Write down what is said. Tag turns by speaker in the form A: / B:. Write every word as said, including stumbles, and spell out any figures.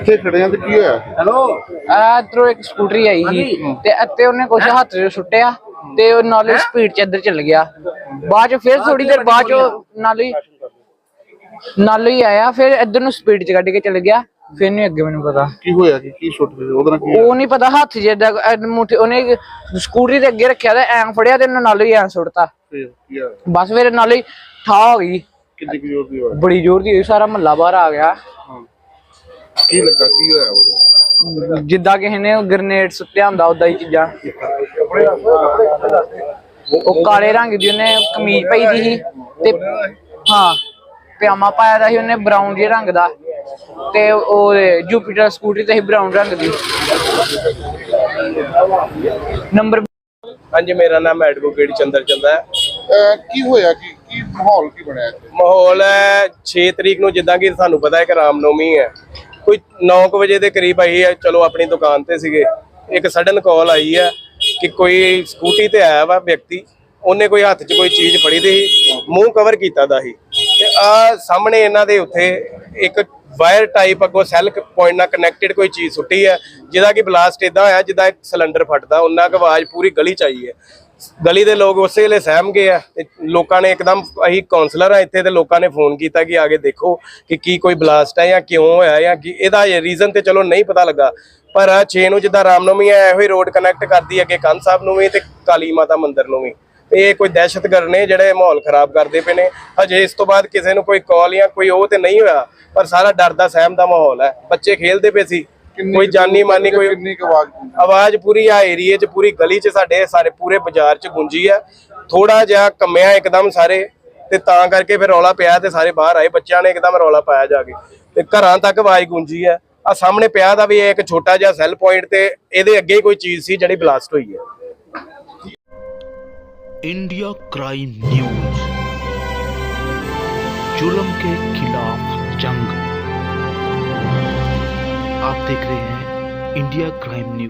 A: ਇੱਥੇ ਖੜੇ ਆ ਤੇ ਕੀ ਹੋਇਆ?
B: ਹੈਲੋ ਇਧਰੋਂ ਇੱਕ ਸਕੂਟਰੀ ਆਈ ਸੀ ਤੇ ਇੱਥੇ ਉਹਨੇ ਕੁਛ ਹੱਥ 'ਚ ਸੁੱਟਿਆ ਤੇ ਉਹ ਨਾਲੇ ਸਪੀਡ 'ਚ ਇੱਧਰ ਚੱਲ ਗਿਆ। ਬਾਅਦ 'ਚ ਫਿਰ ਥੋੜੀ ਦੇਰ ਬਾਅਦ 'ਚ ਨਾਲੇ ਨਾਲੇ ਹੀ ਆਇਆ, ਫਿਰ ਇੱਧਰ ਨੂੰ ਸਪੀਡ 'ਚ ਕੱਢ ਕੇ ਚੱਲ ਗਿਆ। ਫਿਰ ਨਹੀਂ ਅੱਗੇ ਮੈਨੂੰ ਪਤਾ
A: ਕੀ ਹੋਇਆ, ਕੀ ਕੀ ਸੁੱਟ ਰਹੇ ਉਹਦੇ ਨਾਲ? ਕੀ
B: ਉਹ ਨਹੀਂ ਪਤਾ, ਹੱਥ ਜਿੱਦਾਂ ਮੁੱਠੀ ਉਹਨੇ ਸਕੂਟਰੀ ਦੇ ਅੱਗੇ ਰੱਖਿਆ ਤੇ ਐਂ ਫੜਿਆ ਤੇ ਨਾਲੇ ਹੀ ਐਂ ਸੁੱਟਤਾ।
A: ਫਿਰ ਕੀ ਹੋਇਆ?
B: ਬਸ ਫਿਰ ਨਾਲੇ ਹੀ ਠਾ ਹੋ ਗਈ।
A: ਕਿੰਨੀ ਕੁ ਜ਼ੋਰ ਦੀ ਹੋਇਆ?
B: ਬੜੀ ਜ਼ੋਰ ਦੀ ਹੋਈ, ਸਾਰਾ ਮਹੱਲਾ ਬਾਹਰ ਆ ਗਿਆ।
A: ਹਾਂ, ਕੀ ਲੱਗਾ, ਕੀ ਹੋਇਆ ਉਹਦੇ?
B: ਜਿੱਦਾਂ ਕਿਸੇ ਨੇ ਗ੍ਰੇਨੇਡ ਸੁੱਟਿਆ ਹੁੰਦਾ ਉਦਾਂ ਹੀ ਚੀਜ਼ਾਂ। ਉਹ ਕਾਲੇ ਰੰਗ ਦੀ ਉਹਨੇ ਕਮੀਜ਼ ਪਾਈ ਦੀ ਸੀ ਤੇ ਹਾਂ ਪਜਾਮਾ ਪਾਇਆ ਦਾ ਸੀ ਉਹਨੇ ਬਰਾਊਨ ਜਿਹੇ ਰੰਗ ਦਾ, ਤੇ ਉਹ ਜੁਪੀਟਰ ਸਕੂਟਰੀ ਤੇ ਸੀ ਬਰਾਊਨ ਰੰਗ ਦੀ ਨੰਬਰ।
C: ਹਾਂਜੀ, ਮੇਰਾ ਨਾਮ ਐਡਵੋਕੇਟ ਚੰਦਰ ਚੰਦਾ ਹੈ।
A: ਅਹ ਕੀ ਹੋਇਆ, ਕੀ ਕੀ ਮਾਹੌਲ ਕੀ ਬਣਿਆ ਇੱਥੇ?
C: ਮਾਹੌਲ ਹੈ ਛੇ ਤਰੀਕ ਨੂੰ, ਜਿੱਦਾਂ ਕਿ ਸਾਨੂੰ ਪਤਾ ਹੈ ਕਿ ਰਾਮਨੌਮੀ ਹੈ, ਕੋਈ ਨੌ ਕੁ ਵਜੇ ਦੇ ਕਰੀਬ ਆਈ ਹੈ। ਚਲੋ ਆਪਣੀ ਦੁਕਾਨ ਤੇ ਸੀਗੇ, ਇੱਕ ਸਡਨ ਕਾਲ ਆਈ ਹੈ ਕਿ ਕੋਈ ਸਕੂਟੀ ਤੇ ਆਇਆ ਵਾ ਵਿਅਕਤੀ, ਉਹਨੇ ਕੋਈ ਹੱਥ 'ਚ ਕੋਈ ਚੀਜ਼ ਫੜੀ ਦੀ ਸੀ, ਮੂੰਹ ਕਵਰ ਕੀਤਾ ਦਾ ਸੀ ਤੇ ਆ ਸਾਹਮਣੇ ਇਹਨਾਂ ਦੇ ਉੱਥੇ ਇੱਕ ਵਾਇਰ ਟਾਈਪ ਅੱਗੋਂ ਸੈੱਲ ਪੁਆਇੰਟ ਨਾਲ ਕਨੈਕਟਡ ਕੋਈ ਚੀਜ਼ ਸੁੱਟੀ ਹੈ, ਜਿਹਦਾ ਕਿ ਬਲਾਸਟ ਇਦਾਂ ਹੋਇਆ ਜਿੱਦਾਂ ਇੱਕ ਸਿਲੰਡਰ ਫਟਦਾ, ਉਹਨਾਂ ਕੁ ਆਵਾਜ਼ ਪੂਰੀ ਗਲੀ 'ਚ ਆਈ ਹੈ। ਗਲੀ ਦੇ ਲੋਕ ਉਸੇ ਵੇਲੇ ਸਹਿਮ ਗਏ ਆ ਤੇ ਲੋਕਾਂ ਨੇ ਇੱਕਦਮ, ਅਸੀਂ ਕਾਉਂਸਲਰ ਆ ਇੱਥੇ, ਤੇ ਲੋਕਾਂ ਨੇ ਫੋਨ ਕੀਤਾ ਕਿ ਆ ਕੇ ਦੇਖੋ ਕਿ ਕੀ ਕੋਈ ਬਲਾਸਟ ਹੈ ਜਾਂ ਕਿਉਂ ਹੋਇਆ ਜਾਂ ਕੀ ਇਹਦਾ ਰੀਜ਼ਨ, ਤੇ ਚਲੋ ਨਹੀਂ ਪਤਾ ਲੱਗਾ। ਪਰ ਛੇ ਨੂੰ ਜਿੱਦਾਂ ਰਾਮਨੌਮੀ ਹੈ, ਇਹੋ ਹੀ ਰੋਡ ਕਨੈਕਟ ਕਰਦੀ ਅੱਗੇ ਕੰਨ ਸਾਹਿਬ ਨੂੰ ਵੀ ਤੇ ਕਾਲੀ ਮਾਤਾ ਮੰਦਿਰ ਨੂੰ ਵੀ। ਇਹ ਕੋਈ ਦਹਿਸ਼ਤਗਰਦ ਨੇ ਜਿਹੜੇ ਮਾਹੌਲ ਖਰਾਬ ਕਰਦੇ ਪਏ ਨੇ। ਹਜੇ ਇਸ ਤੋਂ ਬਾਅਦ ਕਿਸੇ ਨੂੰ ਕੋਈ ਕਾਲ ਜਾਂ ਕੋਈ ਉਹ ਤੇ ਨਹੀਂ ਹੋਇਆ, ਪਰ ਸਾਰਾ ਡਰ ਦਾ ਸਹਿਮ ਦਾ ਮਾਹੌਲ ਹੈ। ਬੱਚੇ ਖੇਲਦੇ ਪਏ ਸੀ, ਕੋਈ ਜਾਨੀ ਮਾਨੀ ਕੋਈ
A: ਕਿੰਨੀ ਕੁ ਆਵਾਜ਼?
C: ਆਵਾਜ਼ ਪੂਰੀ ਆ ਏਰੀਏ 'ਚ, ਪੂਰੀ ਗਲੀ 'ਚ, ਸਾਡੇ ਸਾਰੇ ਪੂਰੇ ਬਾਜ਼ਾਰ 'ਚ ਗੂੰਜੀ ਆ। ਥੋੜਾ ਜਿਹਾ ਕੰਮਿਆ ਇੱਕਦਮ ਸਾਰੇ, ਤੇ ਤਾਂ ਕਰਕੇ ਫਿਰ ਰੌਲਾ ਪਿਆ ਤੇ ਸਾਰੇ ਬਾਹਰ ਆਏ। ਬੱਚਿਆਂ ਨੇ ਇੱਕਦਮ ਰੌਲਾ ਪਾਇਆ ਜਾ ਕੇ, ਤੇ ਘਰਾਂ ਤੱਕ ਆਵਾਜ਼ ਗੂੰਜੀ ਆ। ਆ ਸਾਹਮਣੇ ਪਿਆ ਦਾ ਵੀ ਇੱਕ ਛੋਟਾ ਜਿਹਾ ਸੈੱਲ ਪੁਆਇੰਟ, ਤੇ ਇਹਦੇ ਅੱਗੇ ਹੀ ਕੋਈ ਚੀਜ਼ ਸੀ ਜਿਹੜੀ ਬਲਾਸਟ ਹੋਈ ਹੈ।
D: इंडिया क्राइम न्यूज, जुल्म के खिलाफ जंग। आप देख रहे हैं इंडिया क्राइम न्यूज।